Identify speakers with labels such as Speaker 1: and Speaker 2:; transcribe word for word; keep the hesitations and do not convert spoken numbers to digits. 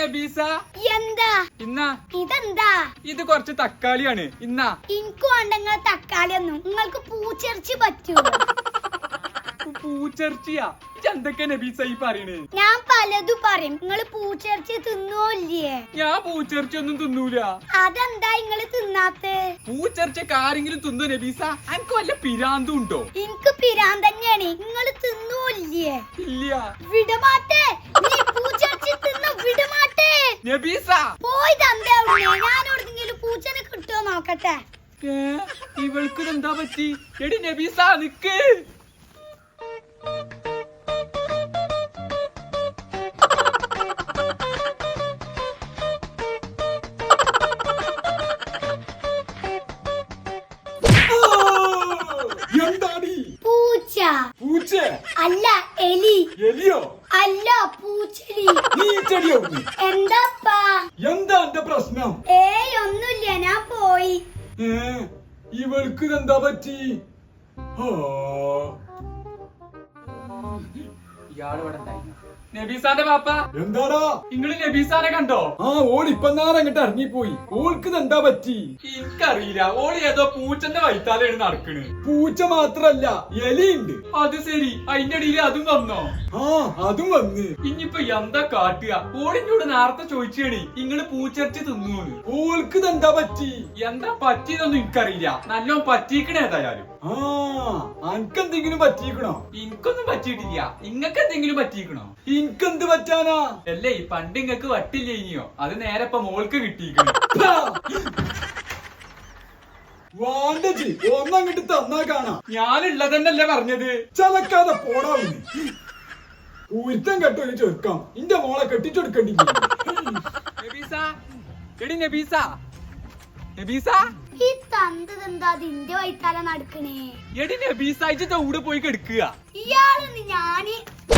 Speaker 1: നബീസ
Speaker 2: എന്താ
Speaker 1: ഇന്നാ
Speaker 2: ഇതെന്താ?
Speaker 1: ഇത് കുറച്ച് തക്കാളിയാണ്. ഇന്നാ
Speaker 2: എനിക്ക് വേണ്ട നിങ്ങളെ തക്കാളി ഒന്നും. നിങ്ങൾക്ക് പൂച്ചിറച്ചി പറ്റുമോ?
Speaker 1: പൂച്ചർച്ചിയാ എന്തൊക്കെ നബീസ ഈ പറയണേ?
Speaker 2: ഞാൻ പലതും പറയും. നിങ്ങള് പൂച്ചിറച്ചി തിന്നോല്ലേ?
Speaker 1: ഞാൻ പൂച്ചർച്ചി ഒന്നും തിന്നൂല.
Speaker 2: അതെന്താ നിങ്ങള് തിന്നാത്തെ?
Speaker 1: പൂച്ചർച്ചക്ക് ആരെങ്കിലും തിന്നോ നബീസ? എനിക്ക് വല്ല പിരാന്തും ഉണ്ടോ?
Speaker 2: എനിക്ക് പിരാൻ തന്നെയാണ്. നിങ്ങള് തിന്നോല്ലേ?
Speaker 1: ഇല്ല.
Speaker 2: വിടമാട്ടെ, നീ പൂച്ചിറച്ചി തിന്ന വിടമാട്ടെ.
Speaker 1: നബീസ
Speaker 2: പോയി തന്തേ അവിടുന്ന്. ഞാൻ എവിടെങ്കിലും പൂച്ചനെ കിട്ടുമോ നോക്കട്ടെ.
Speaker 1: ഏ, ഇവൾക്ക് എന്താ പറ്റി? എടി നബീസ നിക്ക്. എന്താടി?
Speaker 2: പൂച്ച.
Speaker 1: പൂച്ച
Speaker 2: അല്ല, എലി.
Speaker 1: എലിയോ?
Speaker 2: അല്ല, പൂച്ചെലി.
Speaker 1: നീ ചെടിയോ?
Speaker 2: എന്താപ്പാ?
Speaker 1: എന്താ എന്റെ പ്രശ്നം?
Speaker 2: ഏയ് ഒന്നുമില്ല, ഞാൻ പോയി.
Speaker 1: ഏ, ഇവൾക്ക് എന്താ പറ്റി? ഇയാള് ഇവിടെ ഉണ്ടായിരുന്നു. നബീസാന്റെ പാപ്പ എന്താടാ? നിങ്ങള് നബീസാനെ കണ്ടോ? ആ, ഓൾ ഇപ്പൊ നേരം അങ്ങോട്ട് ഇറങ്ങിപ്പോയി. ഓൾക്ക് എന്താ പറ്റി? എനിക്കറിയില്ല. ഓള് ഏതോ പൂച്ചന്റെ വൈത്താലാണ് നടക്കണ്. പൂച്ച മാത്രല്ല, എലിയുണ്ട്. അത് ശരി, അതിന്റെ ഇടയിൽ അതും വന്നോ? ആ, അതും വന്ന്. ഇനിയിപ്പൊ എന്താ കാട്ടുക? ഓളിനോട് നേരത്തെ ചോദിച്ചാണ് നിങ്ങള് പൂച്ചർച്ചി തിന്നൂന്ന്. ഓൾക്ക് എന്താ പറ്റി? എന്താ പറ്റിയതൊന്നും എനിക്കറിയില്ല. നല്ലോ പറ്റിക്കണേ ഏതായാലും. ആ, അനക്കെന്തെങ്കിലും പറ്റിക്കണോ? എനിക്കൊന്നും പറ്റിയിട്ടില്ല. ഇങ്ങക്ക് എന്തെങ്കിലും പറ്റിക്കണോ? എനിക്കെന്ത് പറ്റാനാ? അല്ലേ, പണ്ട് ഇങ്ങക്ക് വട്ടില്ല ഇനിയോ? അത് നേരെ ഇപ്പൊ മോൾക്ക് കിട്ടിയിരിക്കണം. വാണ്ടജി ഒന്നങ്ങട്ട് തന്നാ കാണാ. ഞാനുള്ളതന്നല്ലേ പറഞ്ഞത്. ചലക്കാതെ പോടാവുന്നു. ഉരുത്തം കെട്ടൊരു ചെറുക്കാം. ഇന്റെ മോളെ കെട്ടിച്ചെടുക്കണ്ടി. നബീസ, എടി നബീസ, നബീസ.
Speaker 2: ഈ തന്തതെന്താ അതിന്റെ വൈത്താല നടക്കണേ?
Speaker 1: എടി നബീസ, ഇജ്ജ് ദൗടെ പോയി കെടുക്കുക.
Speaker 2: ഇയാള് ഞാന്